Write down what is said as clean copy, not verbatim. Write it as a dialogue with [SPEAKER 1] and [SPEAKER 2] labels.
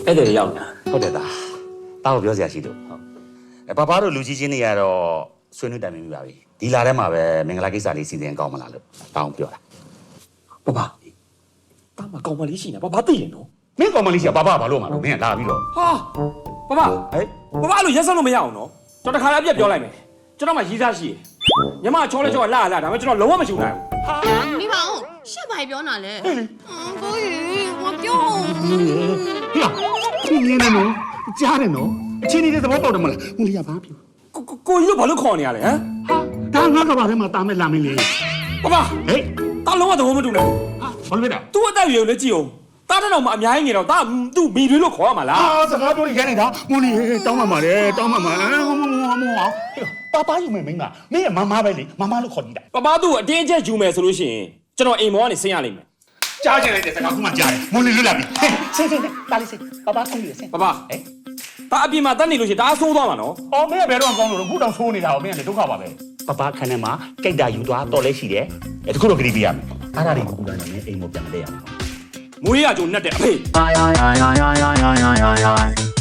[SPEAKER 1] အဲ့ဒါရောက်ညာ
[SPEAKER 2] ဟုတ်တယ်သားတားကိုပြောစရာရှိလို့ဟုတ်ဘာတို့လူကြီးချင်းတွေကတော့ဆွေးနွေးတိုင်ပင်ပြီးပါပြီဒီလာထဲမှာပဲမင်္ဂလာကိစ္စလေးစီစဉ်ကောင်းမလားလို့တောင်းပြောတာ
[SPEAKER 1] ပပတာမကောင်မလေးရှိနေပပသိရင်နော်
[SPEAKER 2] မင်းကောင်မလေးရှိကဘာလို့မှာလို့မင်းကလာပြီးတော့
[SPEAKER 1] ဟာပပအဲ့လိုရက်စက်လို့မရအောင်နော်ကျွန်တော်တခါလည်းအပြက်ပြောလိုက်မယ်ကျွန်တော်မှရီးစားရှိတယ်ညီမချောလဲချောလာဒါပေမဲ့ကျွန်တော်လုံးဝမချူနိုင်ဘူး
[SPEAKER 3] 你把我是白表哪嘞？可以，我表。
[SPEAKER 2] ဟလာသူမြင်နေနော်ကြားတယ်နော်အချင်းကြီးသဘောပေါက်တယ်မလားဟိုလေးကဘာပြော
[SPEAKER 1] ကိုကြီးတို့ဘာလို့ခေါ်နေရလဲဟမ်
[SPEAKER 2] ဒါငါကဘာထဲမှာတားမဲ့လာမင်းလေး
[SPEAKER 1] ပပ
[SPEAKER 2] ဟေး
[SPEAKER 1] တာလုံးဝသဘောမတူနိုင်
[SPEAKER 2] ဘာလို့လဲ
[SPEAKER 1] သူ့အသက်အရွယ်ကိုလည်းကြည့်အောင်တာတော့မှအများကြီးနေတော့တာသူ့မိတွေလို့ခေါ်ရမှာလား
[SPEAKER 2] စကားပြောရနေတာမွန်လေးတောင်းမှလေတောင်းမှပါပါယူမယ်မင်းကမင်းရဲ့မမပဲလေမမလို့ခေါ်ကြည့်တာ
[SPEAKER 1] ပပသူ့ကိုအတင်းအကျပ်ယူမယ်ဆိုလို့ရှိရင်ကျွန်တော်အိမ်မောကနေဆင်းရလိမ့်မယ်
[SPEAKER 2] ကြားချင်လိုက်တဲ့စကားခုမှကြားတယ်မွန်လေးလွတ်လာပြီဆင်းတားလေးဆင်းပါပါဆုံးပြီဆင်း
[SPEAKER 1] ပပတာအပြင်မှာတက်နေလို့ရှိရင်ဒါအဆိုးသွားမှာနော်
[SPEAKER 2] အော်မင်းကဘယ်တော့မှကောင်းလို့ခုတောင်ဆိုးနေတာဟောမင်းကလည်းဒုက္ခပါပဲပပခန်းထဲမှာကြိုက်တာယူသွားတော့လဲရှိတယ်တခုတော့ဂရီးပြရမယ်အားရတွေကိုကူတာနဲ့အိမ်ကိုပြန်မလဲရအောင်
[SPEAKER 1] မွေးရကြုံနဲ့တဲ့အဖေ
[SPEAKER 4] Ay, ay, ay, ay, ay, ay, ay, ay, ay.